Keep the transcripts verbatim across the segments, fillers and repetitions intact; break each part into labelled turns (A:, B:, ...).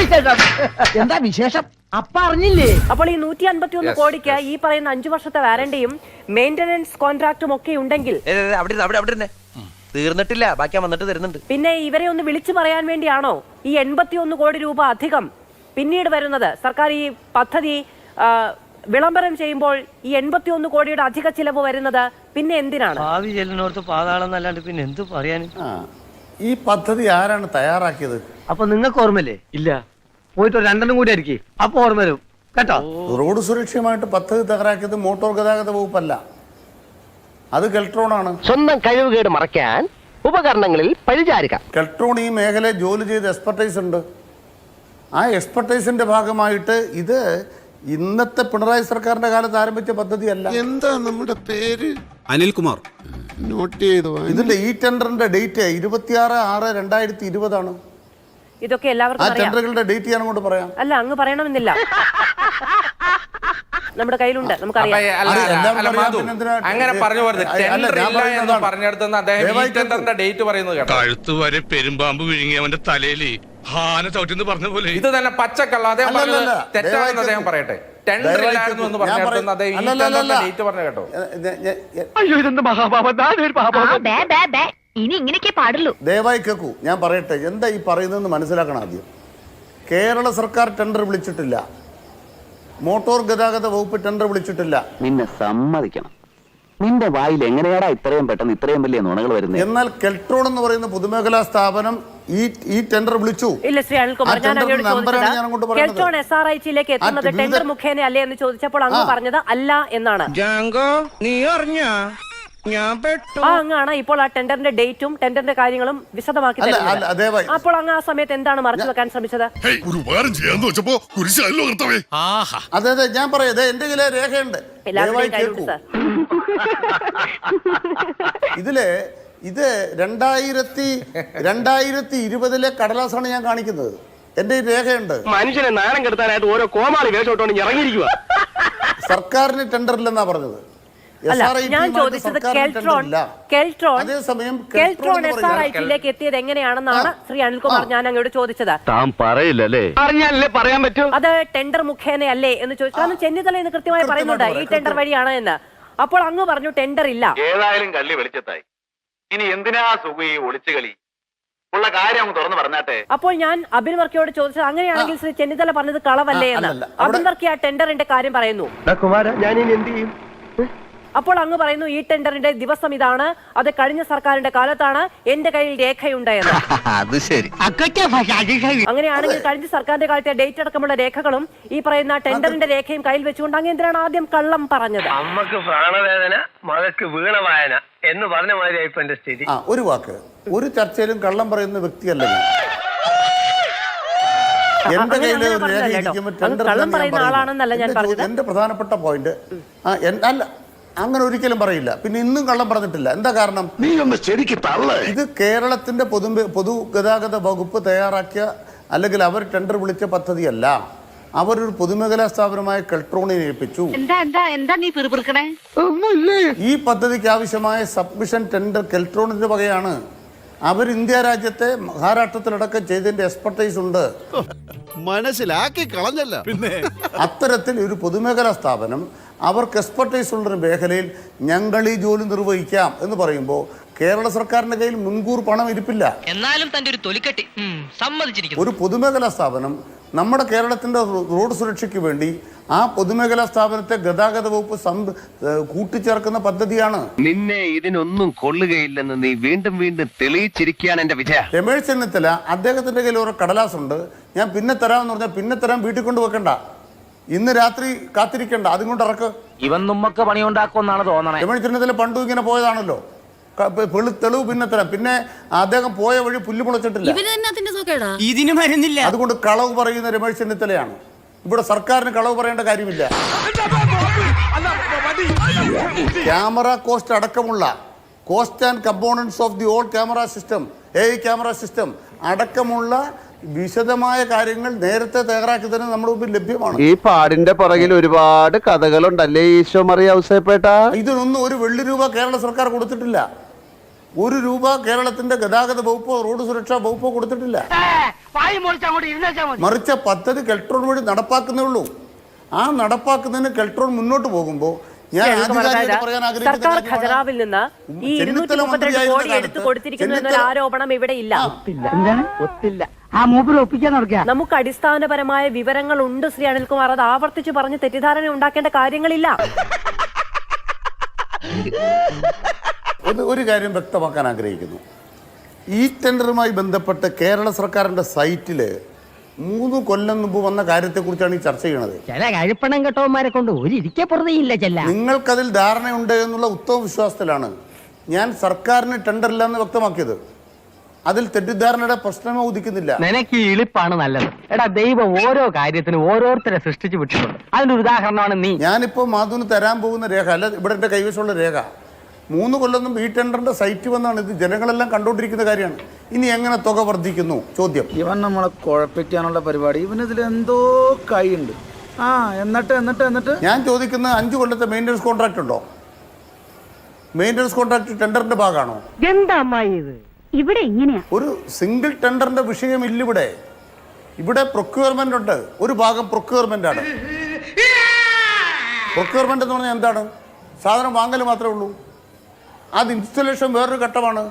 A: എന്താ വിശേഷം? അപ്പ അറിഞ്ഞില്ലേ?
B: അപ്പോൾ ഈ നൂറ്റി അൻപത്തി ഒന്ന് കോടിക്ക് ഈ പറയുന്ന അഞ്ചു വർഷത്തെ വാറണ്ടിയും മെയിന്റനൻസ് കോൺട്രാക്റ്റും ഒക്കെ ഉണ്ടെങ്കിൽ
C: തീർന്നിട്ടില്ല, ബാക്കി വന്നിട്ട് തരുന്നുണ്ട്.
B: പിന്നെ ഇവരെ ഒന്ന് വിളിച്ചു പറയാൻ വേണ്ടിയാണോ ഈ എൺപത്തി ഒന്ന് കോടി രൂപ അധികം പിന്നീട് വരുന്നത്? സർക്കാർ ഈ പദ്ധതി വിളംബരം ചെയ്യുമ്പോൾ ഈ എൺപത്തി ഒന്ന് കോടിയുടെ അധിക ചിലവ് വരുന്നത് പിന്നെ എന്തിനാണ്?
D: ഭാവി ചെല്ലിനോർത്ത് പാതാളം എന്നല്ലാണ്ട് പിന്നെ എന്ത് പറയാനും.
E: ഈ പദ്ധതി ആരാണ് തയ്യാറാക്കിയത്?
D: അപ്പൊ നിങ്ങൾക്ക് ഓർമ്മല്ലേ? ഇല്ല, പോയിട്ട് രണ്ടെണ്ണം കൂടി ആയിരിക്കും, അപ്പൊ ഓർമ്മ വരും കേട്ടോ.
E: റോഡ് സുരക്ഷയുമായിട്ട് പദ്ധതി തയ്യാറാക്കിയത് മോട്ടോർ ഗതാഗത വകുപ്പല്ല, അത് കെൽട്രോൺ ആണ്.
A: സ്വന്തം കഴിവുകേട് മറയ്ക്കാൻ ഉപകരണങ്ങളിൽ പഴിചാരുക.
E: കെൽട്രോൺ ഈ മേഖലയിൽ ജോലി ചെയ്ത് എക്സ്പെർട്ടൈസ് ഉണ്ട്. ആ എക്സ്പെർട്ടൈസിന്റെ ഭാഗമായിട്ട് ഇത് ഇന്നത്തെ പിണറായി സർക്കാരിന്റെ കാലത്ത് ആരംഭിച്ച പദ്ധതിയല്ല.
F: എന്താ നമ്മുടെ പേര്? അനിൽകുമാർ. നോട്ട് ചെയ്തോ?
E: ഇതിന്റെ ഈ ടെൻഡറിന്റെ ഡേറ്റ് ഇരുപത്തിയാറ് ആറ് രണ്ടായിരത്തി ഇരുപതാണ്.
B: ഇതൊക്കെ എല്ലാവർക്കും
E: ആ ടെൻഡറുകളുടെ ഡേറ്റ് ഞാൻ അങ്ങോട്ട് പറയാം.
B: അല്ല, അങ്ങ് പറയണമെന്നില്ല, നമ്മുടെ കയ്യിലുണ്ട്, നമുക്കറിയാം.
C: അങ്ങനെ പറഞ്ഞു പറഞ്ഞെടുത്തെന്ന് അദ്ദേഹം ഡേറ്റ് പറയുന്നത് കേട്ടോ.
G: കഴുത്ത് വരെ പെരുമ്പാമ്പ് വിഴുങ്ങി അവന്റെ തലയിൽ ഹാന ചവിട്ടിന്ന് പറഞ്ഞ പോലെ
C: ഇത് തന്നെ പച്ചക്കള്ള അദ്ദേഹം പറഞ്ഞത് തെറ്റാണെന്ന് അദ്ദേഹം പറയട്ടെ. ടെൻഡർ ഇല്ലായിരുന്നു എന്ന് പറഞ്ഞെടുത്തെന്ന് അദ്ദേഹം ഈ ടെൻഡറിന്റെ ഡേറ്റ് പറഞ്ഞു കേട്ടോ.
H: ഇനി ഇങ്ങനെയൊക്കെ പാടുള്ളൂ.
E: ദയവായി കേൾക്കൂ, ഞാൻ പറയട്ടെ എന്താ ഈ പറയുന്നതെന്ന് മനസ്സിലാക്കണം. ആദ്യം കേരള സർക്കാർ ടെൻഡർ വിളിച്ചിട്ടില്ല, മോട്ടോർ ഗതാഗത വകുപ്പ് ടെൻഡർ വിളിച്ചിട്ടില്ല.
A: നിന്നെ സമ്മതിക്കണം, നിന്റെ വായിൽ എങ്ങനെയാടാ ഇത്രയും പെട്ടെന്ന് ഇത്രയും വലിയ നുണകൾ വരുന്നത്?
E: എന്നാൽ കെൽട്രോൺ എന്ന് പറയുന്ന പൊതുമേഖലാ സ്ഥാപനം ഈ ഈ ടെൻഡർ വിളിച്ചു.
B: ഇല്ല ശ്രീ അനിൽകുമാർ, ഞാൻ അങ്ങോട്ട് ചോദിച്ചത് കെൽട്രോൺ എസ് ആർ ഐ ടിയിലേക്ക് എത്തുന്നത് ടെൻഡർ മുഖേന അല്ലേ എന്ന് ചോദിച്ചപ്പോൾ അങ്ങ് പറഞ്ഞത് അല്ല എന്നാണ്.
C: നീ അറിഞ്ഞ ഞാൻ
B: ആ അങ്ങാണ് ഇപ്പോൾ ആ ടെൻഡറിന്റെ ഡേറ്റും ടെൻഡറിന്റെ കാര്യങ്ങളും വിശദമാക്കി തരുന്നത്. അപ്പോൾ അങ്ങ് ആ സമയത്ത് എന്താണ് മറച്ചു വെക്കാൻ ശ്രമിച്ചത്?
E: അതെ അതെ, ഞാൻ പറയാം, എന്റെ കയ്യിലെ രേഖയുണ്ട്. ഇതില് ഇത് രണ്ടായിരത്തി രണ്ടായിരത്തി ഇരുപതിലെ കടലാസാണ് ഞാൻ കാണിക്കുന്നത്. എന്റെ രേഖയുണ്ട്.
A: മനുഷ്യനെ നാണം കെടുത്താനായിട്ട് ഓരോ കോമാളി വേഷോട്ടോണ്ട് ഇറങ്ങിയിരിക്കുക.
E: സർക്കാരിന് ടെൻഡർ ഇല്ലെന്നാ പറഞ്ഞത്.
B: അല്ല, ഞാൻ ചോദിച്ചത് Keltron Keltron Keltron S R I ടിയിലേക്ക് എത്തിയത് എങ്ങനെയാണെന്നാണ് ശ്രീ അനിൽകുമാർ ഞാൻ അങ്ങോട്ട് ചോദിച്ചത്.
A: താൻ പറയില്ലല്ലേ? അറിഞ്ഞാലേ പറയാൻ പറ്റൂ.
B: അത് ടെൻഡർ മുഖേന അല്ലേ എന്ന് ചോദിച്ചു. കാരണം ചെന്നിത്തല എന്ന് കൃത്യമായി പറയുന്നുണ്ട് ഈ ടെൻഡർ വഴിയാണ് എന്ന്. അപ്പോൾ അങ്ങ് പറഞ്ഞു ടെൻഡർ ഇല്ല.
I: ഏതായാലും കള്ളി വെളിച്ചത്തായി, ഇനി എന്തിനാ സുഖി ഒളിച്ചു കളി ഉള്ള കാര്യം തുറന്നു പറഞ്ഞാട്ടെ.
B: അപ്പോൾ ഞാൻ അബിൻ വർക്കിയോട് ചോദിച്ചത് അങ്ങനെയാണെങ്കിൽ ശ്രീ ചെന്നിത്തല പറഞ്ഞത് കളവല്ലേ എന്ന്. അബിൻ വർക്കി ആ ടെൻഡറിന്റെ കാര്യം പറയുന്നു.
D: ഞാൻ ഇനി എന്ത് ചെയ്യും?
B: അപ്പോൾ അങ്ങ് പറയുന്നു ഈ ടെൻഡറിന്റെ ദിവസം ഇതാണ്, അത് കഴിഞ്ഞ സർക്കാരിന്റെ കാലത്താണ്, എന്റെ കയ്യിൽ രേഖയുണ്ട് എന്ന്. അങ്ങനെയാണെങ്കിൽ കഴിഞ്ഞ സർക്കാരിന്റെ കാലത്തെ ഡേറ്റ് അടക്കമുള്ള രേഖകളും ഈ പറയുന്ന ടെൻഡറിന്റെ രേഖയും കയ്യിൽ വെച്ചുകൊണ്ട് അങ്ങ് എന്തിനാണ് ആദ്യം കള്ളം പറഞ്ഞത്?
D: അമ്മക്ക് പ്രാണവേദന, മകക്ക് വീണവായന എന്ന് പറഞ്ഞ മാതിരി എന്റെ സ്ഥിതി.
E: ഒരു വാക്ക്, ഒരു ചർച്ചയിലും കള്ളം പറയുന്ന വ്യക്തിയല്ല ഞാൻ. എന്റെ കയ്യിൽ രേഖ ഇരിക്കുമ്പോൾ ടെൻഡർ എന്റെ പ്രധാനപ്പെട്ട പോയിന്റ് അല്ല, അങ്ങനെ ഒരിക്കലും പറയില്ല. പിന്നെ ഇന്നും കള്ളം പറഞ്ഞിട്ടില്ല. എന്താ കാരണം? ഇത് കേരളത്തിന്റെ പൊതു പൊതുഗതാഗത വകുപ്പ് തയ്യാറാക്കിയ അല്ലെങ്കിൽ അവർ ടെൻഡർ വിളിച്ച പദ്ധതിയല്ല. അവരൊരു പൊതുമേഖലാ സ്ഥാപനമായ കെൽട്രോണിനെ ഏൽപ്പിച്ചു. ഈ പദ്ധതിക്ക് ആവശ്യമായ സബ്മിഷൻ ടെൻഡർ കെൽട്രോണിന്റെ വകയാണ്. അവർ ഇന്ത്യ രാജ്യത്തെ മഹാരാഷ്ട്രത്തിലടക്കം ചെയ്തതിന്റെ എക്സ്പെർട്ടൈസ് ഉണ്ട്.
F: മനസ്സിലാക്കി കളഞ്ഞല്ല. പിന്നെ
E: അത്തരത്തിൽ ഒരു പൊതുമേഖലാ സ്ഥാപനം അവർക്ക് എക്സ്പെർട്ടൈസ് ഉള്ളൊരു മേഖലയിൽ ഞങ്ങൾ ഈ ജോലി നിർവഹിക്കാം എന്ന് പറയുമ്പോൾ കേരള സർക്കാരിന്റെ കയ്യിൽ മുൻകൂർ പണം ഇരിപ്പില്ല.
J: എന്നാലും തന്റെ ഒരു തൊലിക്കെട്ടി സമ്മതിച്ചിരിക്കുന്നു.
E: ഒരു പൊതുമേഖലാ സ്ഥാപനം നമ്മുടെ കേരളത്തിന്റെ റോഡ് സുരക്ഷയ്ക്ക് വേണ്ടി ആ പൊതുമേഖലാ സ്ഥാപനത്തെ ഗതാഗത വകുപ്പ് കൂട്ടിച്ചേർക്കുന്ന പദ്ധതിയാണ്.
A: നിന്നെ ഇതിനൊന്നും കൊള്ളുകയില്ലെന്ന് നീ വീണ്ടും വീണ്ടും തെളിയിച്ചിരിക്കുകയാണ് എന്റെ വിജയ.
E: രമേശ് ചെന്നിത്തല അദ്ദേഹത്തിന്റെ കയ്യിൽ ഒരു കടലാസുണ്ട്, ഞാൻ പിന്നെ തരാമെന്ന് പറഞ്ഞാൽ പിന്നെ തരാൻ വീട്ടിൽ കൊണ്ട് വെക്കണ്ട, ഇന്ന് രാത്രി കാത്തിരിക്കണ്ട, അതും കൊണ്ട് ഇറക്ക്.
A: ഇവൻ നമ്മക്ക് പണിയുണ്ടാക്കുമെന്നാണ് തോന്നണേ.
E: രമേശ് ചെന്നിത്തല പണ്ടും ഇങ്ങനെ പോയതാണല്ലോ. തെളിവ് പിന്നെ തരാം. പിന്നെ അദ്ദേഹം പോയ വഴി പുല്ല് മുളച്ചിട്ടില്ല, അതുകൊണ്ട് കളവ് പറയുന്ന രമേശ് ചെന്നിത്തലയാണ്. ഇവിടെ സർക്കാരിന് കളവ് പറയേണ്ട കാര്യമില്ല. ക്യാമറ കോസ്റ്റ് അടക്കമുള്ള cost and components of the old camera system, A I camera system അടക്കമുള്ള വിശദമായ കാര്യങ്ങൾ നേരത്തെ തയ്യാറാക്കി തന്നെ നമ്മുടെ മുമ്പിൽ ലഭ്യമാണ്.
K: ഈ പാടിന്റെ പുറകിൽ ഒരുപാട് കഥകളുണ്ടല്ലേ ഈശോ മറിയ ഔസേപ്പേട്ട?
E: ഇതിനൊന്നും ഒരു വെള്ളി രൂപ കേരള സർക്കാർ കൊടുത്തിട്ടില്ല. ഒരു രൂപ കേരളത്തിന്റെ ഗതാഗത വകുപ്പോ റോഡ് സുരക്ഷാ വകുപ്പോ കൊടുത്തിട്ടില്ല. മറിച്ച് പദ്ധതി കെൽട്രോൺ വഴി നടപ്പാക്കുന്നേ ഉള്ളൂ. ആ നടപ്പാക്കുന്നതിന് കെൽട്രോൺ മുന്നോട്ട് പോകുമ്പോൾ ഞാൻ ആധികാരികമായിട്ട് പറയാൻ ആഗ്രഹിക്കുന്ന
B: സർക്കാർ
E: കാര്യമാണ്,
B: ഖജനാവിൽ നിന്ന് ഈ ഇരുന്നൂറ്റി
E: ചെന്നിത്തല
B: മുപ്പത്തിരണ്ട് കോടി
E: മന്ത്രിയായിരുന്ന
B: എടുത്തു കൊടുത്തിരിക്കുന്നു എന്നൊരു
E: ചെന്നിത്തല-
B: ആരോപണം ഇവിടെ ഇല്ല.
D: ഒത്തില്ല ആ മൂപ്പര് ഒപ്പിക്കാൻ നടക്കുക.
B: നമുക്ക് അടിസ്ഥാനപരമായ വിവരങ്ങൾ ഉണ്ട് ശ്രീ അനിൽകുമാർ. അത് ആവർത്തിച്ച് പറഞ്ഞ് തെറ്റിദ്ധാരണ ഉണ്ടാക്കേണ്ട കാര്യങ്ങളില്ല.
E: ഒരു ഒരു കാര്യം വ്യക്തമാക്കാൻ ആഗ്രഹിക്കുന്നു. ഈ ടെൻഡറുമായി ബന്ധപ്പെട്ട് കേരള സർക്കാരിന്റെ സൈറ്റില് മൂന്ന് കൊല്ലം മുമ്പ് വന്ന കാര്യത്തെക്കുറിച്ചാണ് ഈ ചർച്ച ചെയ്യണത്.
D: ചില കഴിപ്പണം കെട്ടവന്മാരെ കൊണ്ട് ഒരു ഇരിക്കെ പുറതെയില്ല ചെല്ല.
E: നിങ്ങൾക്കതിൽ ധാരണയുണ്ട് എന്നുള്ള ഉത്തമ വിശ്വാസത്തിലാണ് ഞാൻ സർക്കാരിന് ടെൻഡർ ഇല്ല എന്ന് വ്യക്തമാക്കിയത്. അതിൽ തെറ്റിദ്ധാരണയുടെ പ്രശ്നമേ ഉദിക്കുന്നില്ല.
D: നിനക്ക് ഈ ഇളിപ്പാണ് നല്ലത്. എടാ ദൈവം ഓരോ കാര്യത്തിനും ഓരോരുത്തരെ സൃഷ്ടിച്ചു വിട്ടിട്ടുണ്ട്. അതിനൊരു ഉദാഹരണമാണ് നീ.
E: ഞാനിപ്പോ മാധുവിന് തരാൻ പോകുന്ന രേഖ അല്ല ഇവിടെ എന്റെ കൈവശമുള്ള രേഖ. മൂന്ന് കൊല്ലം മുമ്പ് ഈ ടെൻഡറിന്റെ സൈറ്റ് വന്നാണ്. ഇത് ജനങ്ങളെല്ലാം കണ്ടുകൊണ്ടിരിക്കുന്ന കാര്യമാണ്. ഇനി എങ്ങനെ തുക വർദ്ധിക്കുന്നു ചോദ്യം.
H: ഇവൻ നമ്മളെ കുഴപ്പിക്കാനുള്ള പരിപാടി. ഇവനിതിൽ എന്തോ കൈയുണ്ട്. ആ എന്നിട്ട് എന്നിട്ട് എന്നിട്ട്
E: ഞാൻ ചോദിക്കുന്ന അഞ്ചു കൊല്ലത്തെ മെയിൻ്റനൻസ് കോൺട്രാക്ട് ഉണ്ടോ? മെയിൻ്റനൻസ് കോൺട്രാക്ട് ടെൻഡറിന്റെ ഭാഗമാണോ?
D: എന്താ അമ്മായി ഇത് ഇവിടെ ഇങ്ങനെയാ?
E: ഒരു സിംഗിൾ ടെൻഡറിന്റെ വിഷയമില്ല ഇവിടെ. ഇവിടെ പ്രൊക്യൂർമെന്റ് ഉണ്ട്. ഒരു ഭാഗം പ്രൊക്യൂർമെന്റ് ആണ്. പ്രൊക്യൂർമെന്റ് എന്ന് പറഞ്ഞാൽ എന്താണ്? സാധനം വാങ്ങൽ മാത്രമേ ഉള്ളൂ. അത് ഇൻസ്റ്റലേഷൻ വേറൊരു ഘട്ടമാണ്.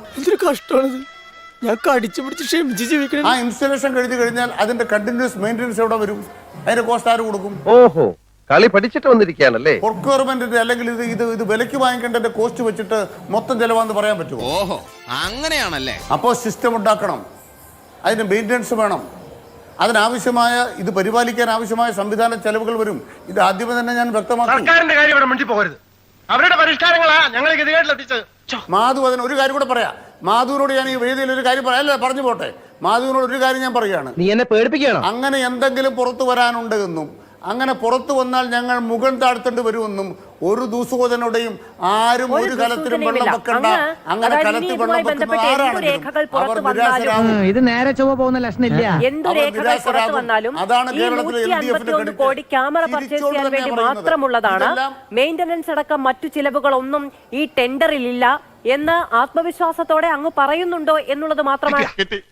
H: ഞാൻ കടിച്ചു പിടിച്ച് ക്ഷമിച്ച് ജീവിക്കണം.
E: ആ ഇൻസ്റ്റലേഷൻ കഴിഞ്ഞ് കഴിഞ്ഞാൽ അതിന്റെ കണ്ടിന്യൂസ് മെയിൻ്റനൻസ് എവിടെ വരും? അതിന്റെ കോസ്റ്റ് ആര് കൊടുക്കും?
K: ഓഹോ കളി പഠിച്ചിട്ട് വന്നിരിക്കുകയാണല്ലേ.
E: പ്രൊക്യൂർമെന്റിന്റെ അല്ലെങ്കിൽ ഇത് ഇത് ഇത് വിലയ്ക്ക് വാങ്ങിക്കേണ്ടതിന്റെ കോസ്റ്റ് വെച്ചിട്ട് മൊത്തം ചെലവാന്ന് പറയാൻ പറ്റുമോ?
F: ഓഹോ അങ്ങനെയാണല്ലേ.
E: അപ്പോൾ സിസ്റ്റം ഉണ്ടാക്കണം. അതിന് മെയിൻ്റനൻസ് വേണം. അതിനാവശ്യമായ ഇത് പരിപാലിക്കാൻ ആവശ്യമായ സംവിധാന ചെലവുകൾ വരും. ഇത് ആദ്യമേ തന്നെ ഞാൻ വ്യക്തമാക്കി.
H: സർക്കാരിന്റെ കാര്യം ഇവിടെ മിണ്ടി പോകരുത്. അവരുടെ പരിഷ്കാരങ്ങളാ ഞങ്ങൾ ഗതികേട്ടിലെത്തിച്ചത്.
E: മാധു അതിന് ഒരു കാര്യം കൂടെ പറയാം. മാധുവിനോട് ഞാൻ ഈ വേദിയിൽ ഒരു കാര്യം പറയാം. അല്ല പറഞ്ഞു പോട്ടെ. മാധുവിനോട് ഒരു കാര്യം ഞാൻ പറയുകയാണ്.
D: നീ എന്നെ പേടിപ്പിക്കണം.
E: അങ്ങനെ എന്തെങ്കിലും പുറത്തു വരാനുണ്ട് എന്നും അങ്ങനെ പുറത്തു വന്നാൽ ഞങ്ങൾ മുഖം താഴ്ത്തേണ്ടി വരുമെന്നും ഒരു ദൂസുകോതനോടെയും ആരും ഒരു കലത്തിലും വെള്ളം വെക്കണ്ട. അങ്ങനെ കലത്തിൽ വെള്ളം വെക്കുന്നത് ആരാണെങ്കിലും അവർ നിരാശരാകും.
D: ഇത് നേരെ ചൊവ്വ പോകുന്ന ലക്ഷണില്ല.
B: എന്തു രേഖകൾ പുറത്തു വന്നാലും ഈ നൂറ്റി അൻപത്തിയൊന്ന് കോടി ക്യാമറ പർച്ചേസ് ചെയ്യാൻ വേണ്ടി മാത്രമുള്ളതാണ്. മെയിന്റനൻസ് അടക്കം മറ്റു ചിലവുകളൊന്നും ഈ ടെൻഡറിൽ ഇല്ല എന്ന് ആത്മവിശ്വാസത്തോടെ അങ്ങ് പറയുന്നുണ്ടോ എന്നുള്ളത് മാത്രമാണ്.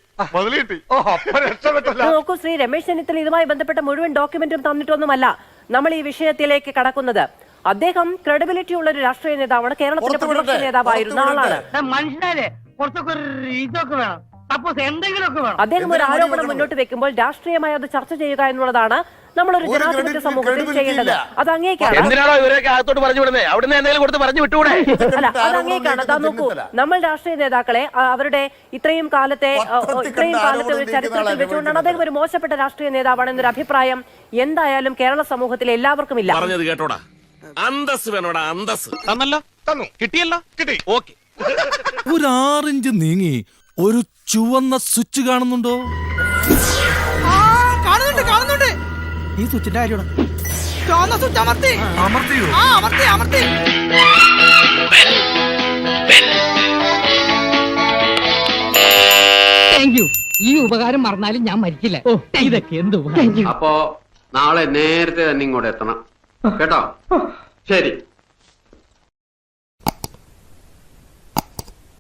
B: നോക്കൂ ശ്രീ രമേശ് ചെന്നിത്തല ഇതുമായി ബന്ധപ്പെട്ട മുഴുവൻ ഡോക്യുമെന്റും തന്നിട്ടൊന്നുമല്ല നമ്മൾ ഈ വിഷയത്തിലേക്ക് കടക്കുന്നത്. അദ്ദേഹം ക്രെഡിബിലിറ്റി ഉള്ള ഒരു രാഷ്ട്രീയ നേതാവാണ്. കേരളത്തിന്റെ പ്രതിപക്ഷ നേതാവായിരുന്ന ആളാണ്.
D: മനുഷ്യരെ കുറച്ചൊക്കെ ഇതൊക്കെ വേണം. സപ്പോസ് എന്തെങ്കിലുമൊക്കെ വേണം.
B: അദ്ദേഹം ഒരു ആരോപണം മുന്നോട്ട് വെക്കുമ്പോൾ രാഷ്ട്രീയമായി അത് ചർച്ച ചെയ്യുക എന്നുള്ളതാണ് നമ്മളൊരു ജനാധിപത്യ സമൂഹത്തിൽ ചെയ്യേണ്ടത്. അത് അങ്ങേക്കാണ്.
K: എന്തിനാണോ ഇവരൊക്കെ അകത്തോട്ട് പറഞ്ഞു വിടുന്നത്? അവിടുന്ന് എന്തെങ്കിലും കൊടുത്ത് പറഞ്ഞു വിട്ടുകൂടെ?
B: അല്ല അത് അങ്ങേക്കാണ്. അതാ നോക്കൂ, നമ്മൾ രാഷ്ട്രീയ നേതാക്കളെ അവരുടെ ഇത്രയും കാലത്തെ ഇത്രയും കാലത്തെ ഒരു ചരിത്രത്തിൽ വെച്ചുകൊണ്ടാണ് അദ്ദേഹം ഒരു മോശപ്പെട്ട രാഷ്ട്രീയ നേതാവാണ് എന്നൊരു അഭിപ്രായം എന്തായാലും കേരള സമൂഹത്തിലെ എല്ലാവർക്കും ഇല്ല.
G: പറഞ്ഞത് കേട്ടോടാ. അന്തസ് വേണോടാ അന്തസ്. തന്നല്ലോ തന്നു കിട്ടിയല്ലോ കിട്ടി. ഓക്കെ.
F: ഒരു ആറിഞ്ച് നീങ്ങി ഒരു ചുവന്ന സ്വിച്ച് കാണുന്നുണ്ടോ?
H: കാണുന്നുണ്ട് കാണുന്നുണ്ട്. ഈ സ്വിച്ചിന്റെ കാര്യമാണ്. ചുവന്ന സ്വിച്ച് അമർത്തി അമർത്തിയോ? ആ അമർത്തി അമർത്തി.
D: Thank you. ഈ ഉപകാരം മറന്നാലും ഞാൻ മരിക്കില്ല. ഇതൊക്കെ എന്ത് ഉപകാരം.
K: അപ്പോ നാളെ നേരത്തെ തന്നെ ഇങ്ങോട്ട് എത്തണം കേട്ടോ. ശരി.